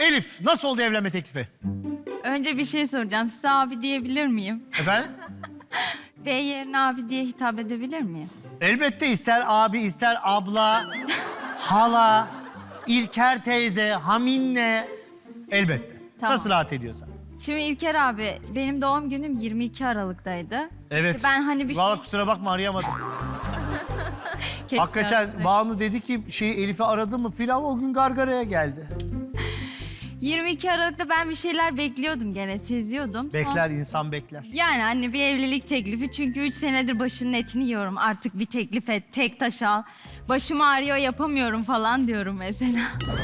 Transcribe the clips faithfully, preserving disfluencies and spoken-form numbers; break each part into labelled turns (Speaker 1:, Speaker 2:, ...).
Speaker 1: Elif, nasıl oldu evlenme teklifi?
Speaker 2: Önce bir şey soracağım. Size abi diyebilir miyim?
Speaker 1: Efendim?
Speaker 2: Bey yerine abi diye hitap edebilir miyim?
Speaker 1: Elbette ister abi, ister abla, hala, İlker teyze, Haminle. Elbette.
Speaker 2: Tamam.
Speaker 1: Nasıl rahat ediyorsan.
Speaker 2: Şimdi İlker abi, benim doğum günüm yirmi iki Aralık'taydı.
Speaker 1: Evet.
Speaker 2: İşte ben hani bir
Speaker 1: Vallahi
Speaker 2: şey...
Speaker 1: kusura bakma arayamadım.
Speaker 2: Keşke
Speaker 1: Hakikaten
Speaker 2: arasaydım.
Speaker 1: Banu dedi ki şey Elif'i aradı mı filan o gün gargaraya geldi.
Speaker 2: yirmi iki Aralık'ta ben bir şeyler bekliyordum gene, seziyordum.
Speaker 1: Bekler insan bekler.
Speaker 2: Yani hani bir evlilik teklifi, çünkü üç senedir başının etini yiyorum. Artık bir teklif et, tek taş al. Başım ağrıyor, yapamıyorum falan diyorum mesela.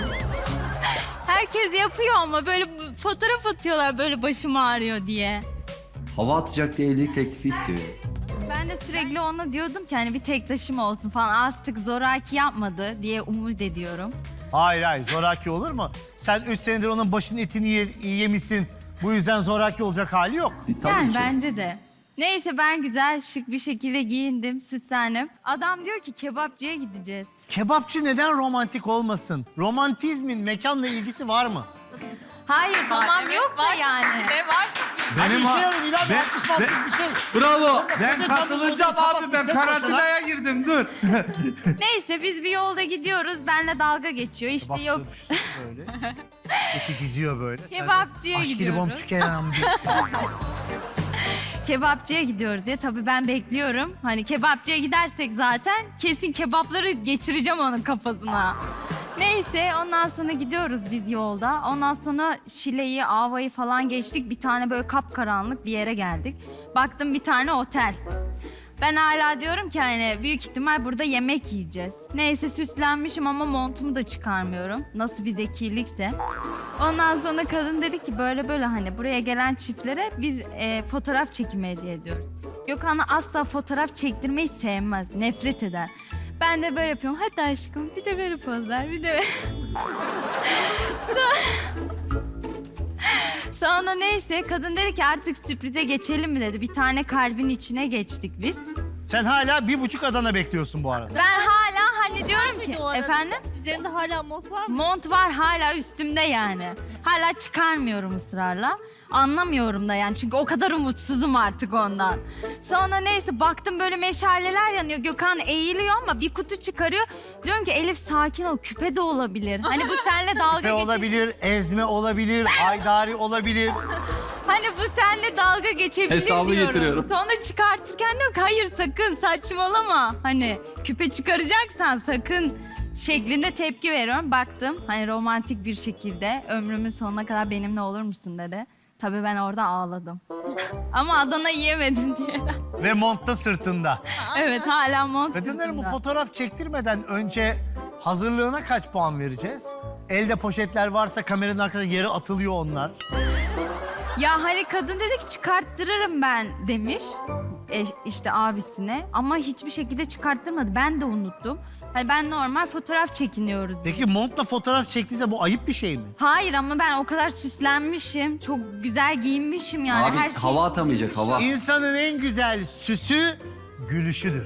Speaker 2: Herkes yapıyor ama böyle fotoğraf atıyorlar böyle başım ağrıyor diye.
Speaker 3: Hava atacak diye evlilik teklifi istiyor.
Speaker 2: Ben de sürekli ona diyordum ki hani bir tek taşım olsun falan, artık zoraki yapmadı diye umut ediyorum.
Speaker 1: Hayır hayır zoraki olur mu? Sen üç senedir onun başının etini ye- yemişsin. Bu yüzden zoraki olacak hali yok.
Speaker 3: E, tabii
Speaker 2: Yani
Speaker 3: ki.
Speaker 2: bence de. Neyse ben güzel şık bir şekilde giyindim, süslendim. Adam diyor ki kebapçıya gideceğiz.
Speaker 1: Kebapçı neden romantik olmasın? Romantizmin mekanla ilgisi var mı?
Speaker 2: Hayır tamam yok da yani.
Speaker 4: Ne var?
Speaker 1: Hadi
Speaker 5: Benim
Speaker 1: işe
Speaker 5: ha-
Speaker 1: yarın İlhan Bey,
Speaker 5: ben-
Speaker 1: alkış malkış bir şey.
Speaker 5: Bravo. Ben
Speaker 1: Koca
Speaker 5: katılacağım
Speaker 1: kadın
Speaker 5: abi. Ben
Speaker 1: tek başına.
Speaker 5: karantinaya girdim. Dur.
Speaker 2: Neyse biz bir yolda gidiyoruz, benimle dalga geçiyor. İşte
Speaker 1: Bak,
Speaker 2: yok
Speaker 1: düşünsene böyle. Eti diziyor böyle. Sen de
Speaker 2: Kebapçıya
Speaker 1: aşk
Speaker 2: gidiyoruz.
Speaker 1: libom tükenem diyor.
Speaker 2: kebapçıya gidiyoruz diye. Tabii ben bekliyorum. Hani kebapçıya gidersek zaten kesin kebapları geçireceğim onun kafasına. Neyse ondan sonra gidiyoruz biz yolda. Ondan sonra Şile'yi, Ava'yı falan geçtik. Bir tane böyle kapkaranlık bir yere geldik. Baktım bir tane otel. Ben hala diyorum ki hani büyük ihtimal burada yemek yiyeceğiz. Neyse süslenmişim ama montumu da çıkarmıyorum. Nasıl bir zekilikse. Ondan sonra kadın dedi ki böyle böyle hani buraya gelen çiftlere biz e, fotoğraf çekimi hediye ediyoruz. Gökhan asla fotoğraf çektirmeyi sevmez, nefret eder. Ben de böyle yapıyorum. Hadi aşkım bir de böyle pozlar, bir de böyle. Sonra neyse kadın dedi ki artık sürprize geçelim mi dedi. Bir tane kalbin içine geçtik biz.
Speaker 1: Sen hala bir buçuk Adana bekliyorsun bu arada.
Speaker 2: Ben hala hani diyorum ki
Speaker 4: o arada?
Speaker 2: efendim
Speaker 4: Üzerinde hala mont var mı?
Speaker 2: mont var hala üstümde yani. Hala çıkarmıyorum ısrarla. Anlamıyorum da yani çünkü o kadar umutsuzum artık ondan. Sonra neyse baktım böyle meşaleler yanıyor. Gökhan eğiliyor ama bir kutu çıkarıyor. Diyorum ki Elif sakin ol, küpe de olabilir. Hani bu seninle dalga
Speaker 1: Küpe
Speaker 2: geçebilir.
Speaker 1: olabilir, ezme olabilir, haydari olabilir.
Speaker 2: Hani bu seninle dalga geçebilir
Speaker 3: Hesabı
Speaker 2: diyorum.
Speaker 3: getiriyorum.
Speaker 2: Sonra çıkartırken diyorum ki hayır sakın saçmalama. Hani küpe çıkaracaksan sakın şeklinde tepki veriyorum. Baktım hani romantik bir şekilde ömrümün sonuna kadar benimle olur musun dedi. Tabii ben orada ağladım. Ama Adana yiyemedim diye.
Speaker 1: Ve montta sırtında.
Speaker 2: Evet hala mont
Speaker 1: Kadınların bu
Speaker 2: sırtımda.
Speaker 1: fotoğraf çektirmeden önce hazırlığına kaç puan vereceğiz? Elde poşetler varsa kameranın arkasında yere atılıyor onlar.
Speaker 2: Ya hani kadın dedi ki çıkarttırırım ben demiş. E, işte abisine. Ama hiçbir şekilde çıkarttırmadı. Ben de unuttum. Hani ben normal fotoğraf çekiniyoruz.
Speaker 1: Peki montla fotoğraf çektiyse bu ayıp bir şey mi?
Speaker 2: Hayır ama ben o kadar süslenmişim. Çok güzel giyinmişim yani.
Speaker 3: Abi
Speaker 2: her şey.
Speaker 3: hava atamayacak hava.
Speaker 1: İnsanın en güzel süsü gülüşüdür.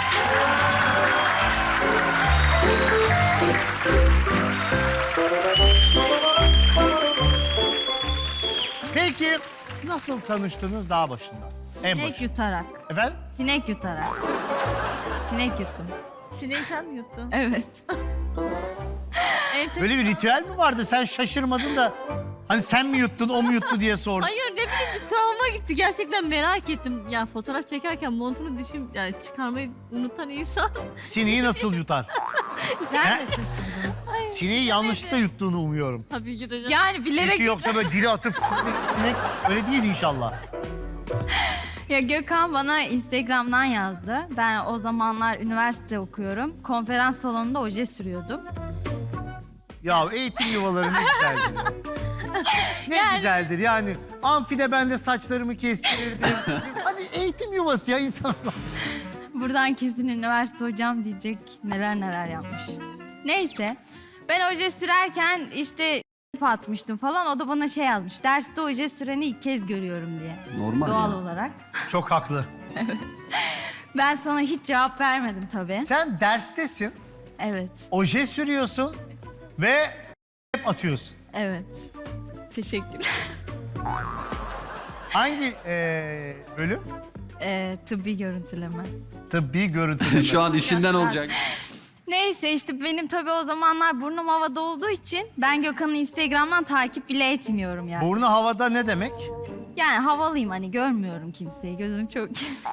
Speaker 1: Peki nasıl tanıştınız daha başında? En
Speaker 2: Sinek
Speaker 1: başında.
Speaker 2: yutarak.
Speaker 1: Efendim?
Speaker 2: Sinek yutarak. Sinek yuttum.
Speaker 4: Sineği sen mi yuttun?
Speaker 2: Evet.
Speaker 4: Enteresan.
Speaker 1: Böyle bir ritüel mi vardı? Sen şaşırmadın da hani sen mi yuttun, o mu yuttu diye sordum.
Speaker 4: Hayır ne bileyim bir travma gitti. Gerçekten merak ettim. Ya fotoğraf çekerken montunu düşün yani çıkarmayı unutan insan.
Speaker 1: Sineği nasıl yutar?
Speaker 4: Nerede
Speaker 1: He?
Speaker 4: şaşırdın?
Speaker 1: Sineği yanlışlıkla yuttuğunu umuyorum.
Speaker 4: Tabii ki de.
Speaker 2: Yani bilerek...
Speaker 1: Çünkü yoksa böyle dili atıp sinek öyle değil inşallah.
Speaker 2: Ya Gökhan bana Instagram'dan yazdı. Ben o zamanlar üniversite okuyorum. Konferans salonunda oje sürüyordum.
Speaker 1: Ya eğitim yuvaları ne güzeldir. Ne
Speaker 2: Yani-
Speaker 1: güzeldir yani. Amfide ben de saçlarımı kestirirdim. Hadi eğitim yuvası ya insan.
Speaker 2: Buradan kesin üniversite hocam diyecek neler neler yapmış. Neyse ben oje sürerken işte atmıştım falan. O da bana şey yazmış. Derste oje süreni ilk kez görüyorum diye.
Speaker 3: Normal
Speaker 2: Doğal
Speaker 3: ya.
Speaker 2: olarak.
Speaker 1: Çok haklı.
Speaker 2: Ben sana hiç cevap vermedim tabii.
Speaker 1: Sen derstesin,
Speaker 2: Evet.
Speaker 1: oje sürüyorsun ve atıyorsun.
Speaker 2: Evet. Teşekkürler.
Speaker 1: Hangi e, bölüm?
Speaker 2: Ee, tıbbi görüntüleme.
Speaker 1: Tıbbi görüntüleme.
Speaker 3: Şu an işinden olacak.
Speaker 2: Neyse işte benim tabii o zamanlar burnum havada olduğu için ben Gökhan'ı Instagram'dan takip bile etmiyorum yani.
Speaker 1: Burnu havada ne demek?
Speaker 2: Yani havalıyım hani görmüyorum kimseyi. Gözüm çok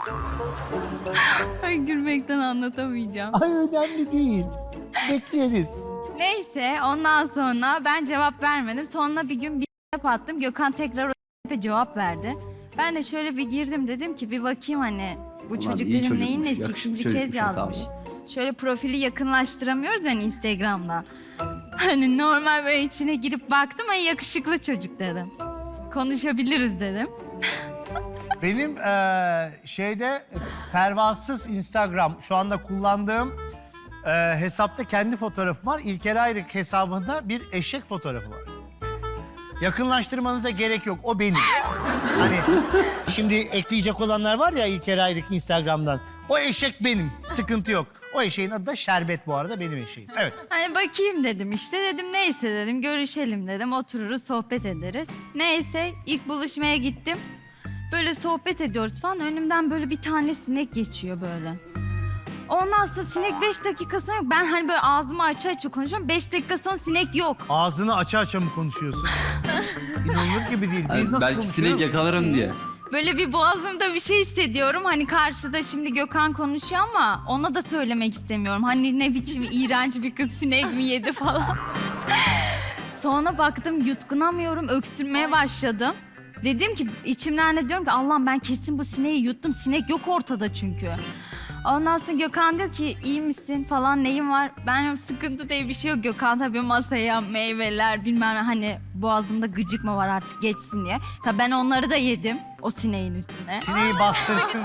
Speaker 2: Ay gülmekten anlatamayacağım.
Speaker 1: Ay önemli değil. Bekleriz.
Speaker 2: Neyse ondan sonra ben cevap vermedim. Sonra bir gün bir attım. Gökhan tekrar o cevap verdi. Ben de şöyle bir girdim dedim ki bir bakayım hani bu
Speaker 3: Ulan
Speaker 2: çocuk
Speaker 3: iyi
Speaker 2: benim neyin
Speaker 3: çocukmuş,
Speaker 2: nesi
Speaker 3: yakışıklı
Speaker 2: ikinci kez
Speaker 3: çocukmuş
Speaker 2: yazmış.
Speaker 3: hesabı.
Speaker 2: Şöyle profili yakınlaştıramıyoruz yani Instagram'da. Hani normal böyle içine girip baktım ay yakışıklı çocuk dedim. Konuşabiliriz dedim.
Speaker 1: Benim eee, şeyde pervasız Instagram şu anda kullandığım eee, hesapta kendi fotoğrafım var. İlker Ayrık hesabında bir eşek fotoğrafı var. Yakınlaştırmanıza gerek yok. O benim. Hani şimdi ekleyecek olanlar var ya İlker Ayrık Instagram'dan. O eşek benim. Sıkıntı yok. O eşeğin adı da Şerbet bu arada benim eşeğim. Evet.
Speaker 2: Hani bakayım dedim işte dedim neyse dedim görüşelim dedim otururuz sohbet ederiz. Neyse ilk buluşmaya gittim. Böyle sohbet ediyoruz falan önümden böyle bir tane sinek geçiyor böyle. Ondan sonra sinek beş dakika sonra yok. Ben hani böyle ağzımı açı açı konuşuyorum. Beş dakika sonra sinek yok.
Speaker 1: Ağzını açı açı mı konuşuyorsun? İnanılır gibi değil. Biz
Speaker 3: Yani
Speaker 1: nasıl
Speaker 3: belki
Speaker 1: konuşuyoruz?
Speaker 3: sinek yakalarım diye.
Speaker 2: Böyle bir boğazımda bir şey hissediyorum. Hani karşıda şimdi Gökhan konuşuyor ama ona da söylemek istemiyorum. Hani ne biçim iğrenç bir kız sinek mi yedi falan. Sonra baktım yutkunamıyorum, öksürmeye başladım. Dedim ki içimden de diyorum ki Allah'ım ben kesin bu sineği yuttum. Sinek yok ortada çünkü. Ondan sonra Gökhan diyor ki iyi misin falan neyin var? Ben diyorum sıkıntı diye bir şey yok. Gökhan tabii masaya meyveler bilmem ne hani boğazımda gıcık mı var artık geçsin diye. Tabii ben onları da yedim o sineğin üstüne.
Speaker 1: Sineği bastırsın.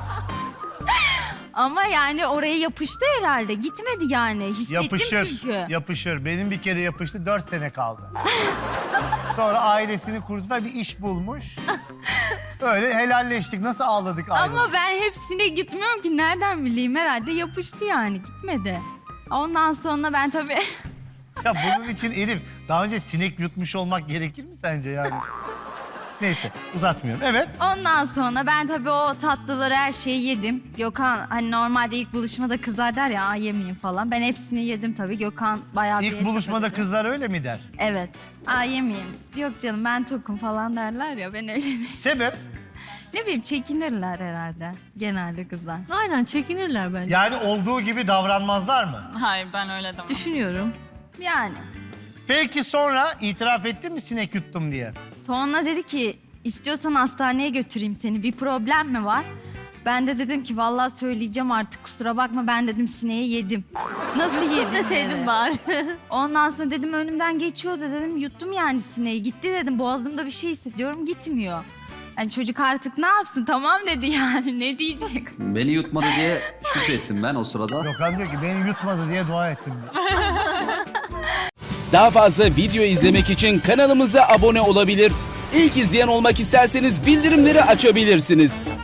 Speaker 2: Ama yani oraya yapıştı herhalde. Gitmedi yani. Hissettim
Speaker 1: Yapışır,
Speaker 2: çünkü.
Speaker 1: yapışır. Benim bir kere yapıştı, dört sene kaldı. Sonra ailesini kurdu ve bir iş bulmuş. Öyle helalleştik. Nasıl ağladık ayrılık.
Speaker 2: Ama ben hepsine gitmiyorum ki. Nereden bileyim herhalde yapıştı yani. Gitmedi. Ondan sonra ben tabii...
Speaker 1: Ya bunun için Elif, daha önce sinek yutmuş olmak gerekir mi sence yani? Neyse, uzatmıyorum. Evet.
Speaker 2: Ondan sonra ben tabii o tatlıları her şeyi yedim. Gökhan hani normalde ilk buluşmada kızlar der ya yemeyeyim falan. Ben hepsini yedim tabii. Gökhan bayağı bir...
Speaker 1: İlk buluşmada
Speaker 2: hesap
Speaker 1: kızlar öyle mi der?
Speaker 2: Evet. Aa yemeyeyim. Yok canım ben tokum falan derler ya ben öyle değilim.
Speaker 1: Sebep?
Speaker 2: Ne bileyim çekinirler herhalde genelde kızlar.
Speaker 4: Aynen çekinirler bence.
Speaker 1: Yani olduğu gibi davranmazlar mı?
Speaker 6: Hayır ben öyle demem.
Speaker 4: Düşünüyorum.
Speaker 2: Yani.
Speaker 1: Peki sonra itiraf etti mi sinek yuttum diye?
Speaker 2: Sonra dedi ki istiyorsan hastaneye götüreyim seni bir problem mi var? Ben de dedim ki vallahi söyleyeceğim artık kusura bakma ben dedim sineği yedim. Nasıl yedin?
Speaker 4: Deseydin
Speaker 2: dedi.
Speaker 4: bari.
Speaker 2: Ondan sonra dedim önümden geçiyordu dedim yuttum yani sineği gitti dedim boğazımda bir şey hissediyorum gitmiyor. Yani çocuk artık ne yapsın tamam dedi yani ne diyecek?
Speaker 3: Beni yutmadı diye şükrettim ben o sırada.
Speaker 1: Gökhan diyor ki beni yutmadı diye dua ettim diyor.
Speaker 7: Daha fazla video izlemek için kanalımıza abone olabilir. İlk izleyen olmak isterseniz bildirimleri açabilirsiniz.